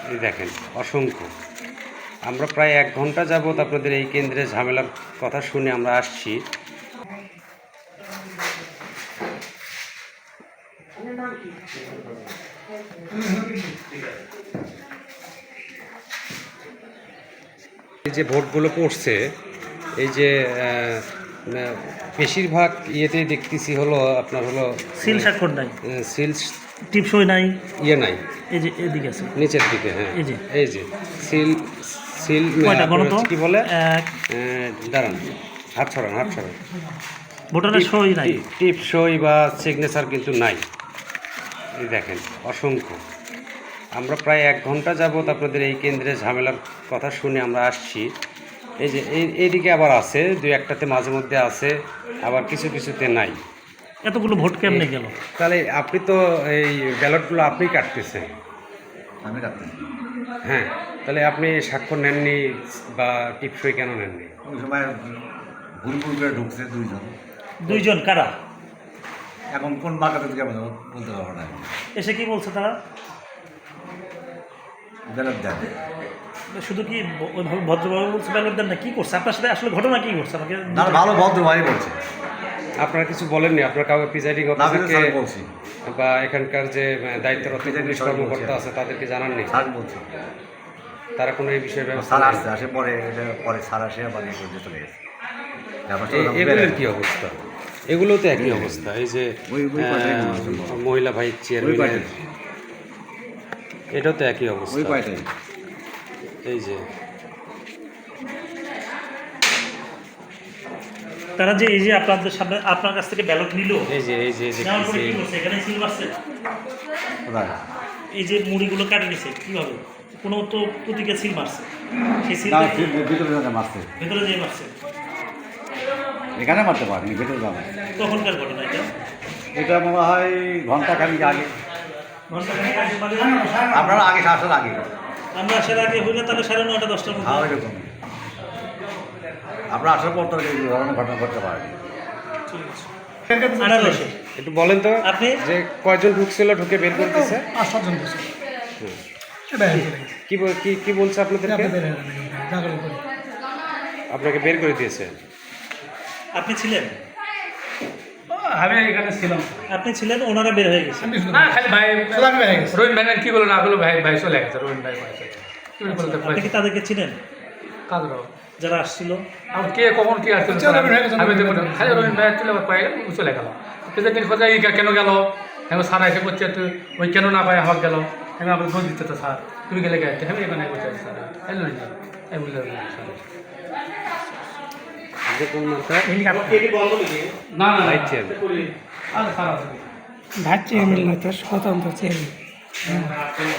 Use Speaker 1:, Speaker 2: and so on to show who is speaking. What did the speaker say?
Speaker 1: এই দেখেন অসংখ্য। আমরা প্রায় 1 ঘন্টা যাবত আপনাদের এই কেন্দ্রে ঝামেলার কথা শুনে আমরা আসছি। এই যে ভোটগুলো পড়ছে, এই যে বেশিরভাগ ইয়েতেই দেখতেছি হলো আপনার হলো
Speaker 2: সিল স্বাক্ষর নাই,
Speaker 1: সিল
Speaker 2: টিপসই নাই,
Speaker 1: ইয়ে নাই,
Speaker 2: এই যে এদিকে আছে
Speaker 1: নিচের দিকে। হ্যাঁ, এই যে সিল সিল কি বলে, দাঁড়ান, হাত ছড়ান।
Speaker 2: ভোটারের সই নাই,
Speaker 1: টিপ সই বা সিগনেচার কিন্তু নাই। এই দেখেন অসংখ্য। আমরা প্রায় 1 ঘন্টা যাবত আপনাদের এই কেন্দ্রে ঝামেলার কথা শুনে আমরা আসছি। এই যে এইদিকে আবার আছে, 2-1টাতে মাঝে মধ্যে আছে, আবার কিছুতে নাই।
Speaker 2: এতগুলো ভোট কেমনে গেল?
Speaker 1: তাহলে আপনি তো এই ব্যালটগুলো আপনিই কাটতেছেন।
Speaker 3: আমি কাটতেছি।
Speaker 1: হ্যাঁ, তাহলে আপনি স্বাক্ষর নেননি বা টিপসই কেন নেননি?
Speaker 3: ওই সময় ভুল করে ঢুকছে
Speaker 2: দুইজন কারা?
Speaker 3: এখন কোন বাঁকাতে থেকে আমি বলতে পারবো না।
Speaker 2: এসে কি বলছে তারা?
Speaker 3: ব্যালট দেন।
Speaker 2: শুধু কি ওইভাবে ভদ্রভাবে বলছে ব্যালট দেন না? কি করছে আপনার সাথে? আসলে ঘটনা কি ঘটছে আমাকে
Speaker 3: না, ভালো ভদ্রভাবে বলছে।
Speaker 1: আপনারা কিছু বলেননি? আপনার কাউকে প্রিজাইডিং অফিসারকে
Speaker 3: বলছি
Speaker 1: বা এখানকার যে দায়িত্বরত পুলিশ কর্মকর্তা আছে তাদেরকে জানাননি?
Speaker 3: স্যার বলছি,
Speaker 1: তারা কোনো এই বিষয়ে ব্যবস্থা
Speaker 3: স্যার
Speaker 1: নেয়নি?
Speaker 3: আসে পরে স্যার আসে বানিয়ে করে চলে গেছে।
Speaker 1: এগুলোর কি অবস্থা? এগুলো তো একই অবস্থা। এই যে মহিলা ভাই চেয়ারম্যান, এটাও তো একই অবস্থা। এই যে
Speaker 2: তারা যে এই যে আপনাদের সামনে আপনার কাছ থেকে ব্যালট নিল,
Speaker 1: এই যে
Speaker 2: এখানে সিল মারছে, এই যে মুড়িগুলো কাটে নিছে কিভাবে? কোনো তো প্রতীকে সিল মারছে, সেই সিল
Speaker 3: ভিতরে মারছে,
Speaker 2: ভেতরে যেয়ে মারছে।
Speaker 3: এখানে মারতে পারেনি, ভেতরে যাবে।
Speaker 2: তখনকার ঘটনা
Speaker 3: এটা মনে হয় ঘন্টাখানিক আগে,
Speaker 2: ঘন্টাখানেক আগে, মানে
Speaker 3: আপনারা আগে আসার আগে।
Speaker 2: আমরা আসার আগে হইলে তাহলে 9:30 10টার মধ্যে।
Speaker 3: হ্যাঁ, ওইরকম। আপনারা আসার পর তো এই ধরনের ঘটনা ঘটতে পারেনি।
Speaker 1: একটু বলেন তো
Speaker 2: আপনি
Speaker 1: যে কয়জন ঢুকছিল, ঢুকে বের করতেছে?
Speaker 4: 5-7 জন বসে
Speaker 1: কি বলছে আপনাদেরকে? আপনাকে বের করে দিয়েছে?
Speaker 2: আপনি ছিলেন?
Speaker 4: আমি এখানে ছিলাম।
Speaker 2: আপনি ছিলেন, ওনারা বের হয়ে গেছে?
Speaker 4: না, খালি ভাই রোহিন ভাই কি বলো না বলো, ভাই চলে গেছে। রোহিন ভাই
Speaker 2: আপনি কি তাদেরকে ছিলেন?
Speaker 4: কাজরাও
Speaker 2: যারা আসছিল?
Speaker 4: আমার কে কখন কি আসছিল আমি দেখবো, খালি রোহিন ভাই চলে পাই গেল, চলে গেল। দিন কোথায় কেন গেল? এখন স্যার এসে করছে তুই ওই কেন না পাই আমার গেল, আমি আপনার দোষ দিতে তো স্যার তুমি গেলে গেছে, আমি এখানে করছি স্যার এলো না, আমি বুঝলাম না
Speaker 1: ভাইস চেয়ারম্যান
Speaker 4: স্বতন্ত্র চেয়ারম্যান।